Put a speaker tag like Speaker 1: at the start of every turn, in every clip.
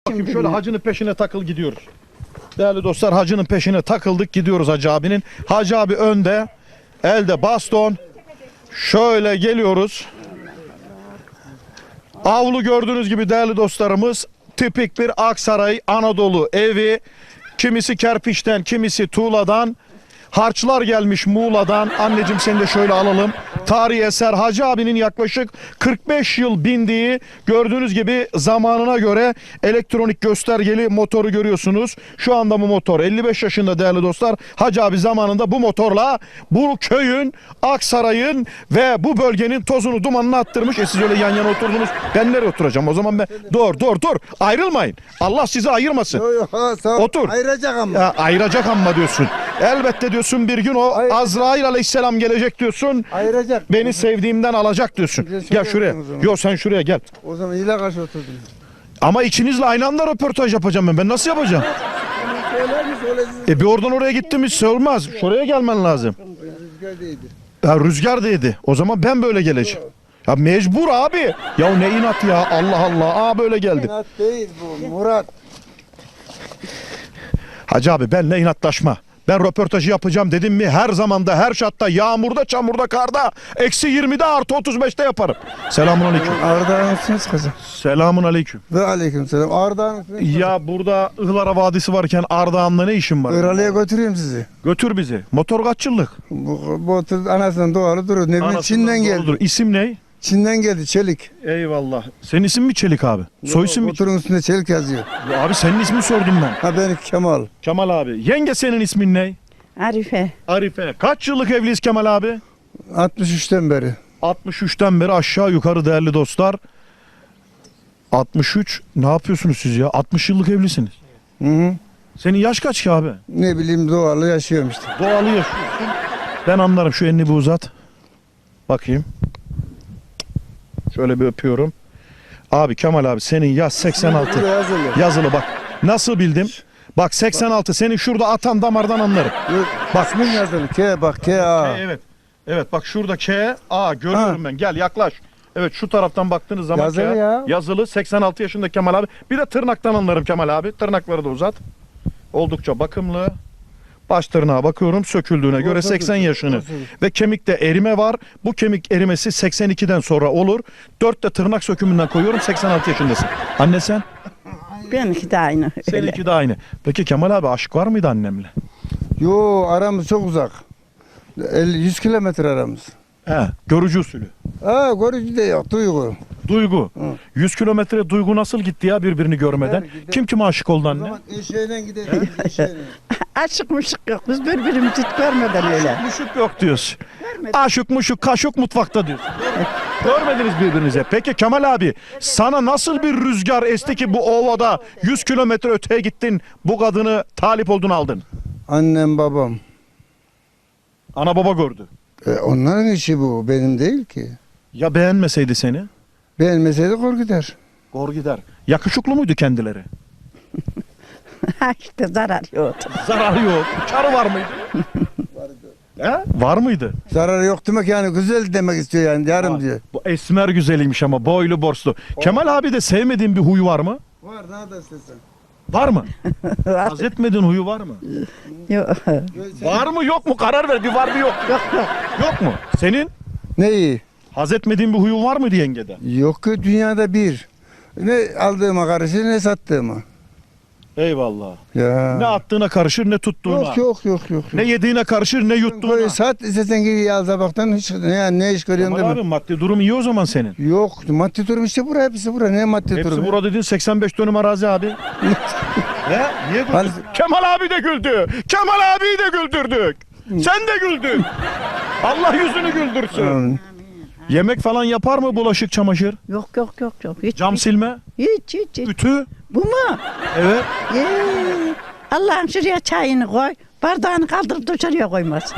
Speaker 1: Bakayım şöyle hacının peşine takıl gidiyoruz. Değerli dostlar, hacının peşine takıldık gidiyoruz hacı abinin. Hacı abi önde, elde baston. Şöyle geliyoruz. Avlu gördüğünüz gibi değerli dostlarımız, tipik bir Aksaray Anadolu evi. Kimisi kerpiçten, kimisi tuğladan. Harçlar gelmiş Muğla'dan. Anneciğim seni de şöyle alalım. Tarihi eser Hacı abinin yaklaşık 45 yıl bindiği, gördüğünüz gibi zamanına göre elektronik göstergeli motoru görüyorsunuz. Şu anda bu motor 55 yaşında değerli dostlar. Hacı abi zamanında bu motorla bu köyün, Aksaray'ın ve bu bölgenin tozunu dumanını attırmış. Siz öyle yan yana oturdunuz. Ben nereye oturacağım? O zaman ben dur. Ayrılmayın. Allah sizi ayırmasın. Otur.
Speaker 2: Ayıracak ama.
Speaker 1: Ya, ayıracak ama diyorsun. Elbette diyorsun bir gün o Azrail aleyhisselam gelecek diyorsun.
Speaker 2: Ayıracak.
Speaker 1: Beni sevdiğimden alacak diyorsun. Gel şuraya. Yok sen şuraya gel.
Speaker 2: O zaman ile karşı oturdum.
Speaker 1: Ama ikinizle aynı anda röportaj yapacağım ben. Ben nasıl yapacağım?
Speaker 2: Söyler mi söylesin?
Speaker 1: Bir oradan oraya gittim hiç olmaz. Şuraya gelmen lazım.
Speaker 2: Rüzgar değildi.
Speaker 1: Ya rüzgar değdi. O zaman ben böyle geleceğim. Ya mecbur abi. Ya ne inat ya. Allah Allah. Aa böyle geldi.
Speaker 2: İnat değil bu Murat.
Speaker 1: Hacı abi benle inatlaşma. Ben röportajı yapacağım dedim mi her zamanda, her şartta, yağmurda, çamurda, karda, eksi 20'de artı 35'te yaparım. Selamun aleyküm.
Speaker 2: Ağrı'danısınız kızım.
Speaker 1: Selamun aleyküm.
Speaker 2: Ve aleyküm selam. Ağrı'danısınız.
Speaker 1: Ya burada Ihlara Vadisi varken Ardahan'da ne işin var?
Speaker 2: Iğralı'ya götüreyim sizi.
Speaker 1: Götür bizi. Motor kaç yıllık?
Speaker 2: Bu otur anasından doğalı durur. Ne bileyim
Speaker 1: Anasından
Speaker 2: Çin'den geldi.
Speaker 1: doğrudur. İsim ne?
Speaker 2: Çin'den geldi çelik.
Speaker 1: Eyvallah. Senin isim mi Çelik abi? Soy isim mi?
Speaker 2: Motorun üstünde çelik yazıyor.
Speaker 1: Ya abi senin ismini sordum ben.
Speaker 2: Ha ben Kemal.
Speaker 1: Kemal abi. Yenge senin ismin ne?
Speaker 3: Arife.
Speaker 1: Arife. Kaç yıllık evliyiz Kemal abi?
Speaker 2: 63'ten beri.
Speaker 1: 63'ten beri aşağı yukarı değerli dostlar. 63. Ne yapıyorsunuz siz ya? 60 yıllık evlisiniz.
Speaker 2: Hı hı.
Speaker 1: Senin yaş kaç ki abi?
Speaker 2: Ne bileyim doğalı yaşıyorum işte.
Speaker 1: Doğalı yaşıyorsun. Ben anlarım. Şu elini bir uzat. Bakayım. Şöyle bir öpüyorum. Abi Kemal abi senin yaş 86.
Speaker 2: Burada yazılı.
Speaker 1: Yazılı bak. Nasıl bildim? Bak 86. Senin şurada atan damardan anlarım.
Speaker 2: Yok,
Speaker 1: Bak.
Speaker 2: İsmin yazılı. K bak K A.
Speaker 1: Evet. Evet bak şurada K A görüyorum ben. Gel yaklaş. Evet şu taraftan baktığınız zaman
Speaker 2: Yazılı
Speaker 1: K,
Speaker 2: ya.
Speaker 1: yazılı 86 yaşında Kemal abi. Bir de tırnaktan anlarım Kemal abi. Tırnakları da uzat. Oldukça bakımlı. Baş tırnağa bakıyorum söküldüğüne göre 80 yaşını ve kemikte erime var. Bu kemik erimesi 82'den sonra olur. 4 de tırnak sökümünden koyuyorum 86 yaşındasın. Anne sen?
Speaker 3: Benimki de aynı. Öyle.
Speaker 1: Seninki de aynı. Peki Kemal abi aşk var mıydı annemle?
Speaker 2: Yo aramız çok uzak. 100 kilometre aramız.
Speaker 1: He, görücü usulü.
Speaker 2: Ha görücü de yok duygu.
Speaker 1: Duygu.
Speaker 2: Hı.
Speaker 1: 100 kilometre Duygu nasıl gitti ya birbirini görmeden?
Speaker 2: Gider.
Speaker 1: Kim kime aşık oldu
Speaker 2: O
Speaker 1: anne?
Speaker 2: zaman eşeğine gidelim. Eşeğine.
Speaker 3: Aşık mışık yok. Biz birbirimizi hiç görmeden öyle.
Speaker 1: Muşuk yok diyorsun.
Speaker 3: Görmedim.
Speaker 1: Aşık muşuk kaşık mutfakta diyorsun. Görmediniz birbirinize. Peki Kemal abi sana nasıl bir rüzgar esti ki bu ovada 100 kilometre öteye gittin bu kadını talip oldun aldın?
Speaker 2: Annem babam.
Speaker 1: Ana baba gördü.
Speaker 2: Onların işi bu. Benim değil ki.
Speaker 1: Ya beğenmeseydi seni?
Speaker 2: Beğenmeseydi kor gider.
Speaker 1: Gor gider. Yakışıklı muydu kendileri?
Speaker 3: İşte zarar yok.
Speaker 1: Zararı yok. Karı var mıydı? He? Var mıydı?
Speaker 2: Zararı yok demek yani güzel demek istiyor yani yarım diyor.
Speaker 1: Bu esmer güzeliymiş ama boylu borslu. Kemal abi de sevmediğin bir huyu var mı?
Speaker 2: Var ne da istesen.
Speaker 1: Var mı? Haz etmediğin huyu var mı?
Speaker 3: Yok.
Speaker 1: Var mı yok mu? Karar ver. Bir var bir yok.
Speaker 3: Yok yok.
Speaker 1: Yok mu? Senin
Speaker 2: Neyi?
Speaker 1: haz etmediğin bir huyun var mıydı yengede?
Speaker 2: Yok ki dünyada bir. Ne aldığıma karışır ne sattığıma.
Speaker 1: Eyvallah.
Speaker 2: Ya.
Speaker 1: Ne attığına karışır ne tuttuğuna.
Speaker 2: Yok.
Speaker 1: Ne yediğine karışır ne yuttuğuna.
Speaker 2: Sat istesen geri al tabaktan hiç ne iş görüyorsun
Speaker 1: Kemal
Speaker 2: deme.
Speaker 1: abi maddi durum iyi o zaman senin.
Speaker 2: Yok maddi durum işte bura hepsi bura ne maddi
Speaker 1: Hepsi
Speaker 2: durum.
Speaker 1: burada dedin 85 dönüm arazi abi. He? Niye güldün?
Speaker 2: Hani-
Speaker 1: Kemal abi de güldü. Kemal abiyi de güldürdük. Sen de güldün. Allah yüzünü güldürsün.
Speaker 2: Amin.
Speaker 1: Yemek falan yapar mı bulaşık çamaşır?
Speaker 3: Yok. Hiç,
Speaker 1: Cam silme?
Speaker 3: hiç.
Speaker 1: Ütü?
Speaker 3: Bu mu?
Speaker 1: Evet.
Speaker 3: Allah'ım şuraya çayını koy. Bardağını kaldırıp dışarıya koymaz.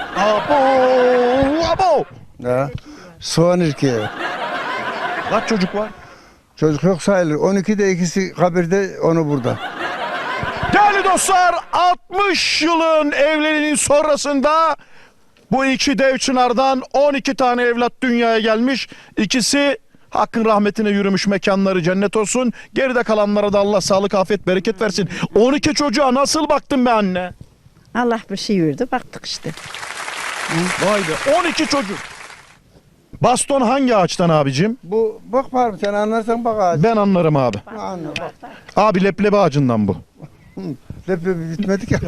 Speaker 1: Abo.
Speaker 2: Ya. Soğan erkeği.
Speaker 1: Kaç çocuk var?
Speaker 2: Çocuk yok sayılır. 12'de ikisi kabirde onu burada.
Speaker 1: Değerli dostlar 60 yılın evliliğinin sonrasında bu iki dev çınardan 12 tane evlat dünyaya gelmiş. İkisi Hakkın rahmetine yürümüş, mekanları cennet olsun. Geride kalanlara da Allah sağlık, afiyet, bereket versin. 12 çocuğa nasıl baktın be anne?
Speaker 3: Allah bir şey verdi. Baktık işte.
Speaker 1: Vay be, 12 çocuk. Baston hangi ağaçtan abicim?
Speaker 2: Bu bak var mı sen anlarsan bak ağaç.
Speaker 1: Ben anlarım abi.
Speaker 2: Anla bak.
Speaker 1: Abi leblebi ağacından bu.
Speaker 2: Leblebi bitmedik ya.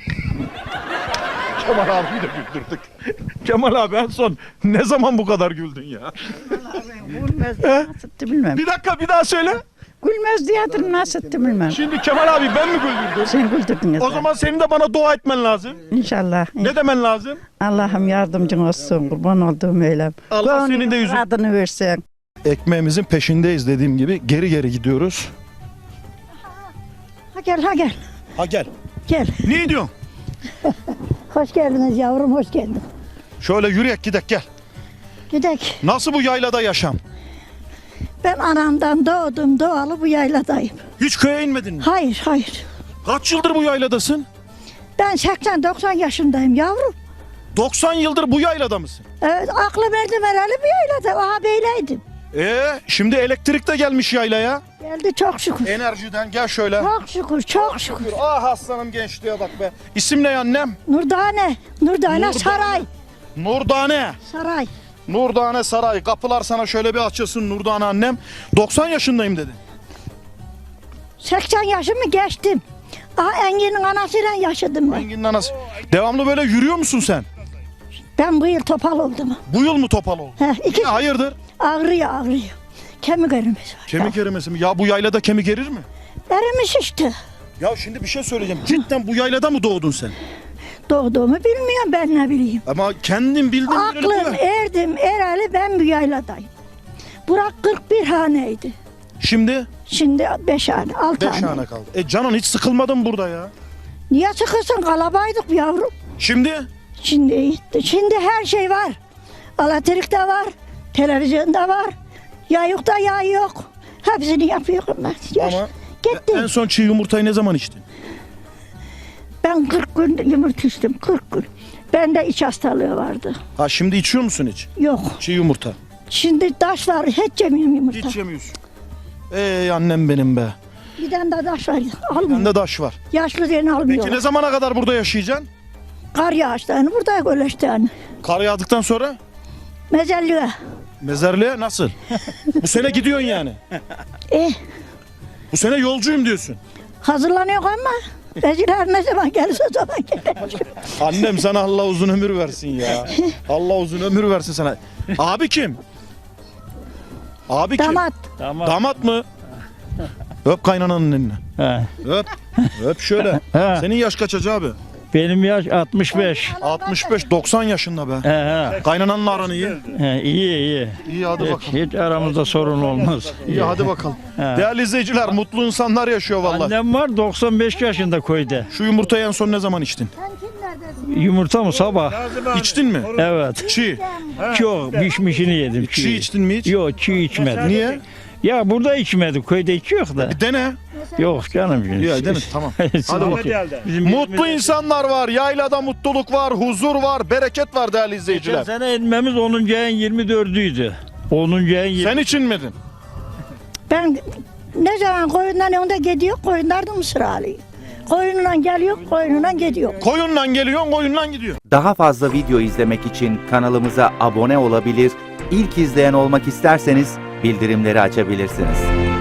Speaker 1: Kemal abiyi de güldürdük. Kemal abi en son ne zaman bu kadar güldün ya?
Speaker 3: Gülmez diye nasıttı bilmem.
Speaker 1: Bir dakika, bir daha söyle.
Speaker 3: Gülmez diyedir nasıttı bilmem.
Speaker 1: Şimdi Kemal abi ben mi güldürdüm?
Speaker 3: Sen güldürdün
Speaker 1: O zaman senin de bana dua etmen lazım.
Speaker 3: İnşallah.
Speaker 1: Ne demen lazım?
Speaker 3: Allah'ım yardımcın olsun. Kurban olduğum öylem.
Speaker 1: Allah senin de yüzün.
Speaker 3: Adını versen.
Speaker 1: Ekmeğimizin peşindeyiz dediğim gibi geri geri gidiyoruz.
Speaker 3: Ha gel ha gel.
Speaker 1: Ha gel.
Speaker 3: Gel.
Speaker 1: Ne diyorsun?
Speaker 3: Hoş geldiniz yavrum hoş geldin.
Speaker 1: Şöyle yürüyek gidek gel.
Speaker 3: Gidek.
Speaker 1: Nasıl bu yaylada yaşam?
Speaker 3: Ben anamdan doğdum doğalı bu yayladayım.
Speaker 1: Hiç köye inmedin mi?
Speaker 3: Hayır hayır.
Speaker 1: Kaç yıldır bu yayladasın?
Speaker 3: Ben 80-90 yaşındayım yavrum.
Speaker 1: 90 yıldır bu yaylada mısın?
Speaker 3: Evet aklım erdim herhalde bu yaylada. Aha beyleydim.
Speaker 1: Şimdi elektrik de gelmiş yaylaya.
Speaker 3: Geldi çok şükür.
Speaker 1: Enerjiden gel şöyle.
Speaker 3: Çok şükür çok şükür.
Speaker 1: Ah aslanım gençliğe bak be. İsim ne annem?
Speaker 3: Nurdane. Nurdane
Speaker 1: Nurdane.
Speaker 3: Saray.
Speaker 1: Nurdane.
Speaker 3: Saray.
Speaker 1: Nurdane Saray. Kapılar sana şöyle bir açılsın Nurdane annem. 90 yaşındayım dedi.
Speaker 3: 80 yaşımı geçtim. Aha Engin'in anasıyla yaşadım ben.
Speaker 1: Engin'in anası. Devamlı böyle yürüyor musun sen?
Speaker 3: Ben bu yıl topal oldum.
Speaker 1: Bu yıl mı topal oldun?
Speaker 3: İki
Speaker 1: Niye, hayırdır?
Speaker 3: ağrıyor. Kemik erimesi var.
Speaker 1: Kemik erimesi mi? Ya bu yaylada kemik erir mi?
Speaker 3: Erimiş işte.
Speaker 1: Ya şimdi bir şey söyleyeceğim. Cidden bu yaylada mı doğdun sen?
Speaker 3: Doğduğumu bilmiyorum ben ne bileyim.
Speaker 1: Ama kendin bildin
Speaker 3: Aklım erdim ereli ben bu yayladayım. Burak 41 haneydi.
Speaker 1: Şimdi
Speaker 3: Şimdi 5 hane 6
Speaker 1: 5
Speaker 3: hane.
Speaker 1: tane kaldı. Canan hiç sıkılmadın mı burada ya?
Speaker 3: Niye çıkırsın kalabaydık yavrum.
Speaker 1: Şimdi
Speaker 3: Şimdi her şey var. Elektrik de var. Televizyonda var. Yağ yok da yağ yok. Hepsini yapıyorum ben.
Speaker 1: ama
Speaker 3: Gittim.
Speaker 1: en son çiğ yumurtayı ne zaman içtin?
Speaker 3: Ben 40 gün yumurta içtim 40 gün. Bende iç hastalığı vardı.
Speaker 1: Ha şimdi içiyor musun hiç?
Speaker 3: Yok.
Speaker 1: Çiğ yumurta.
Speaker 3: Şimdi taş var. Hiç yemiyorum yumurta.
Speaker 1: Hiç yemiyorsun. Ey annem benim be.
Speaker 3: Bir tane de taş var. Almıyor.
Speaker 1: Bende daş var.
Speaker 3: Yaşlı diye almıyor.
Speaker 1: Peki ne zamana kadar burada yaşayacaksın?
Speaker 3: Kar yağıştı. Yani burada öyle işte yani.
Speaker 1: Kar yağdıktan sonra
Speaker 3: Mezelliğe.
Speaker 1: mezarlığa nasıl? Bu sene gidiyorsun yani.
Speaker 3: Eh,
Speaker 1: Bu sene yolcuyum diyorsun.
Speaker 3: hazırlanıyor ama Mezgiler ne zaman gelirse o zaman gelir.
Speaker 1: Annem sana Allah uzun ömür versin ya. Allah uzun ömür versin sana. Abi kim? Abi kim?
Speaker 3: Damat.
Speaker 1: Damat mı? Öp kaynananın elini.
Speaker 4: He.
Speaker 1: Öp. Öp şöyle.
Speaker 4: He.
Speaker 1: Senin yaş kaç hacı abi?
Speaker 4: Benim yaş 65.
Speaker 1: 65-90 yaşında be.
Speaker 4: He,
Speaker 1: Kaynananla aran iyi.
Speaker 4: he, iyi iyi.
Speaker 1: İyi hadi bakalım.
Speaker 4: Hiç aramızda sorun olmaz.
Speaker 1: İyi hadi bakalım. Değerli izleyiciler mutlu insanlar yaşıyor vallahi.
Speaker 4: Annem var 95 yaşında köyde.
Speaker 1: Şu yumurtayı en son ne zaman içtin?
Speaker 4: Yumurta mı sabah?
Speaker 1: İçtin mi?
Speaker 4: Evet.
Speaker 1: Çiğ.
Speaker 4: Çok pişmişini yedim.
Speaker 1: Çiğ içtin mi hiç?
Speaker 4: Yok çiğ içmedim.
Speaker 1: Niye?
Speaker 4: Ya burada içmedik. Köyde içiyor da.
Speaker 1: Bir dene.
Speaker 4: Yok canım.
Speaker 1: Ya dene tamam. Hadi bakalım.
Speaker 4: Bizim
Speaker 1: Mutlu insanlar var. Yaylada mutluluk var, huzur var, bereket var değerli
Speaker 4: Geçen
Speaker 1: izleyiciler.
Speaker 4: sene inmemiz 10. ayın 24'üydü. 10. ayın 20.
Speaker 1: Sen için miydin?
Speaker 3: Ben ne zaman koyundan önde gidiyor, koyunlar mısır alıyor. Koyunla geliyor, koyunla gidiyor.
Speaker 1: Koyunla geliyorsun, koyunla gidiyor.
Speaker 5: Daha fazla video izlemek için kanalımıza abone olabilir, ilk izleyen olmak isterseniz bildirimleri açabilirsiniz.